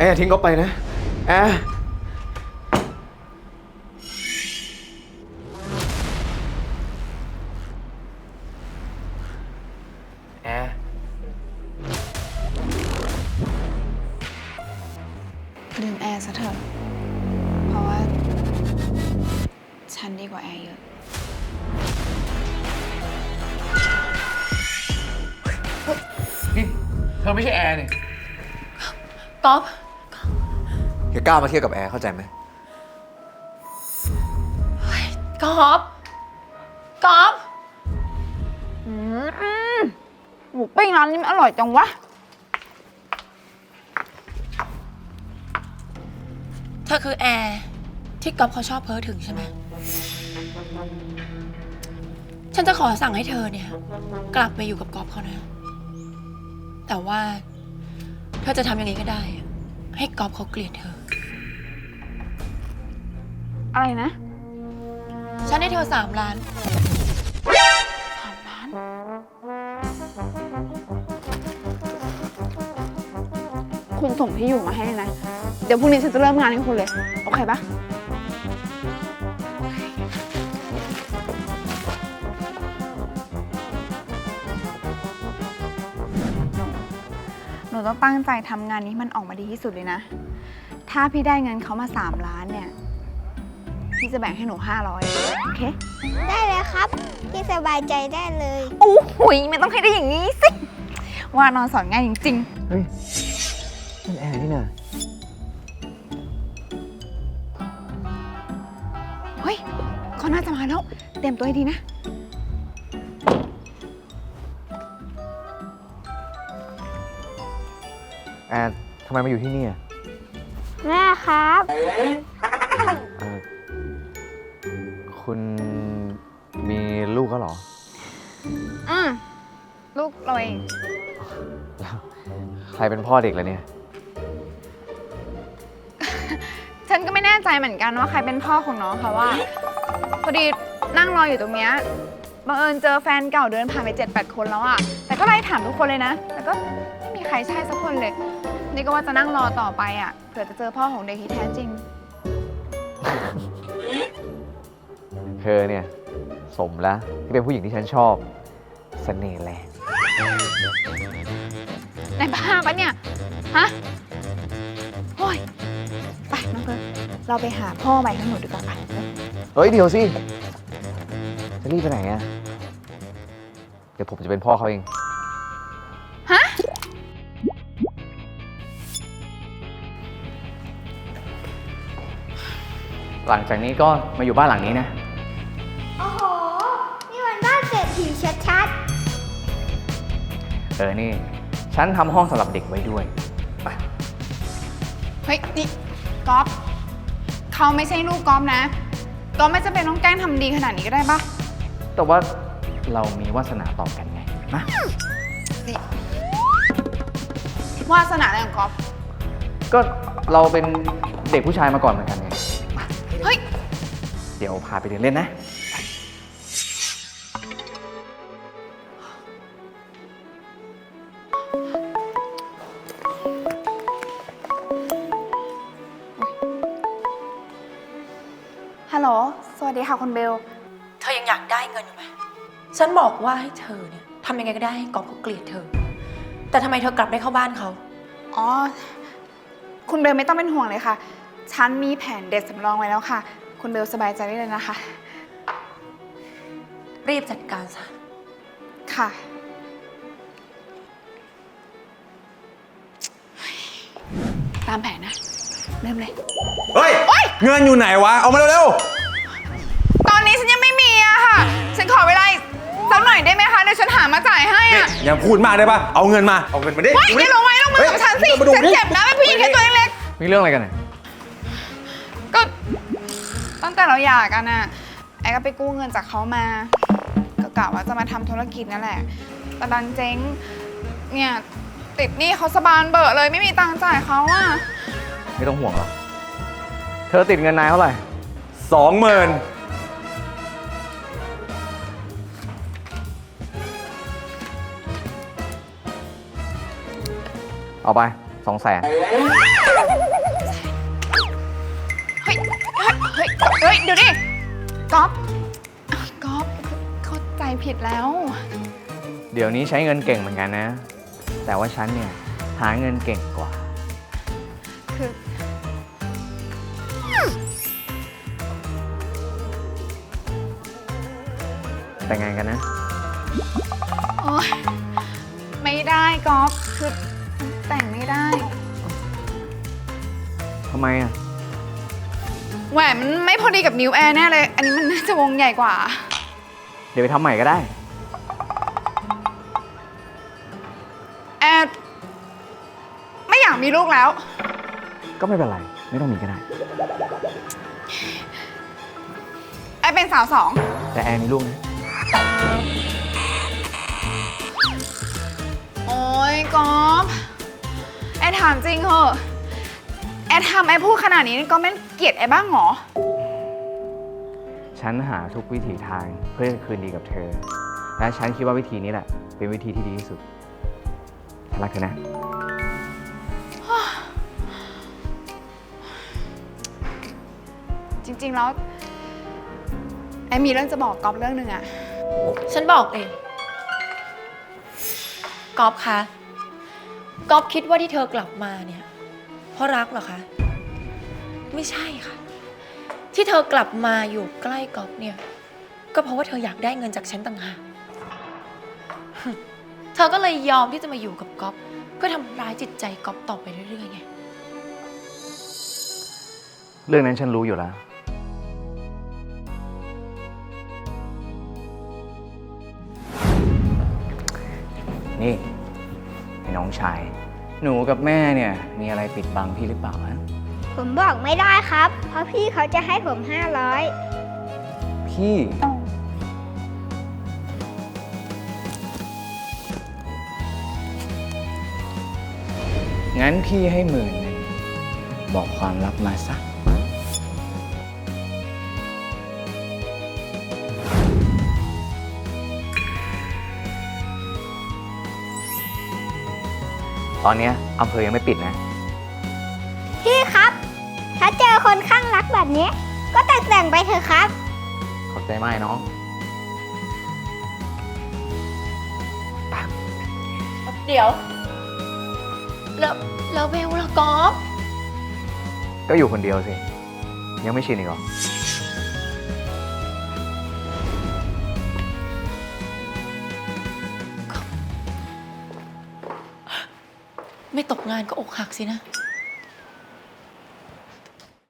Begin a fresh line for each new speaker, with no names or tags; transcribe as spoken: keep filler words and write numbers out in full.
ร์อย่าทิ้งเขาไปนะแอร์แอร์
ลืมแอร์ซะเถอะเพราะว่าฉันดีกว่าแอร์เยอะ
นี่เธอไม่ใช่แอร์นี่
ก๊อฟ
อย่ากล้ามาเทียบกับแอร์เข้าใจไหม
ก๊อฟก๊อฟอืมหมูปิ้งร้านนี้มันอร่อยจังวะเธอคือแอร์ที่ก๊อฟเขาชอบเพ้อถึงใช่ไหมฉันจะขอสั่งให้เธอเนี่ยกลับไปอยู่กับก๊อฟเขานะแต่ว่าเธอจะทำยังไงก็ได้ให้ก๊อฟเขาเกลียดเธออะไรนะฉันให้เธอสามล้านสามล้านคุณส่งที่อยู่มาให้นะเดี๋ยวพรุ่งนี้ฉันจะเริ่มงานให้คุณเลยโอเคปะหนูต้องตั้งใจทำงานนี้มันออกมาดีที่สุดเลยนะถ้าพี่ได้เงินเขามาสามล้านเนี่ยพี่จะแบ่งให้หนูห้าร้อยโอเค
ได้เลยครับพี่สบายใจได้เลย
โอ้โหไม่ต้องให้ได้อย่างนี้สิว่านอนสอนง่ายจริงๆ
เฮ้ยนั่นแอร์นี่นะ
เฮ้ยเขาน่าจะมาแล้วเตรียมตัวให้ดีนะ
แอร์ทำไมมาอยู่ที่นี่อ่ะ
แม่ครับ
เออคุณมีลูกก็หรอ
อืมลูกเราเอง
แล้วใครเป็นพ่อเด็กล่ะเนี่ย
ฉันก็ไม่แน่ใจเหมือนกันว่าใครเป็นพ่อของน้องค่ะว่าพอดีนั่งรออยู่ตรงเนี้ยบังเอิญเจอแฟนเก่าเดินผ่านไปเจ็ดแปดคนแล้วอะแต่ก็ไล่ถามทุกคนเลยนะแต่ก็ไม่มีใครใช่สักคนเลยนี่ก็ว่าจะนั่งรอต่อไปอะเผื่อจะเจอพ่อของเด็กที่แท้จริง
เธอเนี่ยสมแล้วที่เป็นผู้หญิงที่ฉันชอบเสน่ห์แรง
ในบ้าปะเนี่ยฮะโอ้ยไปน้องเพิร์ลเราไปหาพ่อใหม่ทั้งหมดดีกว่าไป
เฮ้ยเดี๋ยวสิจะรีบไปไหนอะเดี๋ยวผมจะเป็นพ่อเขาเอง
ฮะ
หลังจากนี้ก็มาอยู่บ้านหลังนี้นะ
โอ้โห นี่มันบ้านเศรษฐีชัด
เออ นี่ ฉันทำห้องสำหรับเด็กไว้ด้วย ไป
เฮ้ยนี่ก๊อฟเขาไม่ใช่ลูกก๊อฟนะก๊อฟไม่จำเป็นต้องแกล้งทำดีขนาดนี้ก็ได้ปะ
แต่ว่าเรามีวาสนาต่อกันไงนะ
นี่วาสนาอะไรของก๊อฟ
ก็เราเป็นเด็กผู้ชายมาก่อนเหมือนกันไง
เฮ้ย
เดี๋ยวพาไปเดินเล่นนะ
ฮัลโหลสวัสดีค่ะคุณเบลเธอยังอยากได้เงินอยู่ไหมฉันบอกว่าให้เธอเนี่ยทำยังไงก็ได้ให้ก๊อฟเขาเกลียดเธอแต่ทำไมเธอกลับได้เข้าบ้านเขาอ๋อคุณเบลไม่ต้องเป็นห่วงเลยค่ะฉันมีแผนเด็ดสำรองไว้แล้วค่ะคุณเบลสบายใจได้เลยนะคะรีบจัดการซะค่ะตามแผนนะเริ่มเลย
เฮ้ย เงินอยู่ไหนวะ เอามาเร็ว
ตอนนี้ฉันยังไม่มีอะค่ะฉันขอเวลาสักหน่อยได้ไหมคะเดี๋ยวฉันหามาจ่ายให้
ๆนี่
อะ
อย่าพูดมากได้ปะเอาเงินมา เอาเงินมาดิ
เฮ้ยอย่าลงไว้ลงมือกับฉันสิฉันเจ็บนะเป็นผู้หญิงแค่ตัวเล็ก
มีเรื่องอะไรกันเนี่ย
ๆก็ตั้งแต่เราหย่ากันอะไอ้ก็ไปกู้เงินจากเขามาก็กะว่าจะมาทำธุรกิจนั่นแหละแต่ดันเจ๊งเนี่ยติดหนี้เขาสบานเบอะเลยไม่มีตังค์จ่ายเขาอะ
ไม่ต้องห่วงหรอก เธอติดเงินนายเท่าไหร่
สองหมื่น
เอาไป
สองแสน
เฮ้ย เฮ้ย เฮ้ย เฮ้ย เดี๋ยวดิก๊อฟก๊อฟเข้าใจผิดแล้ว
เดี๋ยวนี้ใช้เงินเก่งเหมือนกันนะ แต่ว่าฉันเนี่ย หาเงินเก่งกว่า
คือ
แต่งงานกันนะ
โอ๊ยไม่ได้ก๊อฟคือแต่งไม่ได้
ทำไมอ่ะ
แหวนมันไม่พอดีกับนิ้วแอร์แน่เลย อันนี้มันน่าจะวงใหญ่กว่า
เดี๋ยวไปทำใหม่ก็ได้
แอร์ไม่อยากมีลูกแล้ว
ก็ไม่เป็นไร ไม่ต้องมีก็ได้
แอร์เป็นสาวสอง
แต่แอนมีลูกนะ
โอ๊ยก๊อฟแอร์ถามจริงเหอะแอร์ทำแอร์พูดขนาดนี้ก็ไม่เกลียดแอร์บ้างเหรอ
ฉันหาทุกวิถีทางเพื่อจะคืนดีกับเธอ และฉันคิดว่าวิธีนี้แหละ เป็นวิธีที่ดีที่สุด ฉันรักเธอนะ
จริงๆแล้วแอร์มีเรื่องจะบอกก๊อฟเรื่องหนึ่งอะ
ฉันบอกเองก๊อฟคะก๊อฟคิดว่าที่เธอกลับมาเนี่ย เพราะรักเหรอคะ ไม่ใช่ค่ะ ที่เธอกลับมาอยู่ใกล้ก๊อฟเนี่ย ก็เพราะว่าเธออยากได้เงินจากฉันต่างหาก เธอก็เลยยอมที่จะมาอยู่กับก๊อฟเพื่อทำร้ายจิตใจก๊อฟต่อไปเรื่อยๆไง
เรื่องนั้นฉันรู้อยู่แล้ว นี่ไอ้น้องชาย หนูกับแม่เนี่ย มีอะไรปิดบังพี่หรือเปล่าฮะ
ผมบอกไม่ได้ครับ เพราะพี่เขาจะให้ผมห้าร้อย
พี่ งั้นพี่ให้หมื่นหนึ่งบอกความลับมาสัก ตอนเนี้ยอำเภอยังไม่ปิดนะ
พี่ครับ ถ้าเจอคนข้างรักแบบนี้ ก็แต่งแต่งๆไปเถอะครับ
ขอบใจมากน้อง
เดี๋ยว แล้วแล้วเบลล่ะก๊อฟ
ก็อยู่คนเดียวสิ ยังไม่ชินอีกเหรอ
ไม่ตกงานก็อกหักสินะ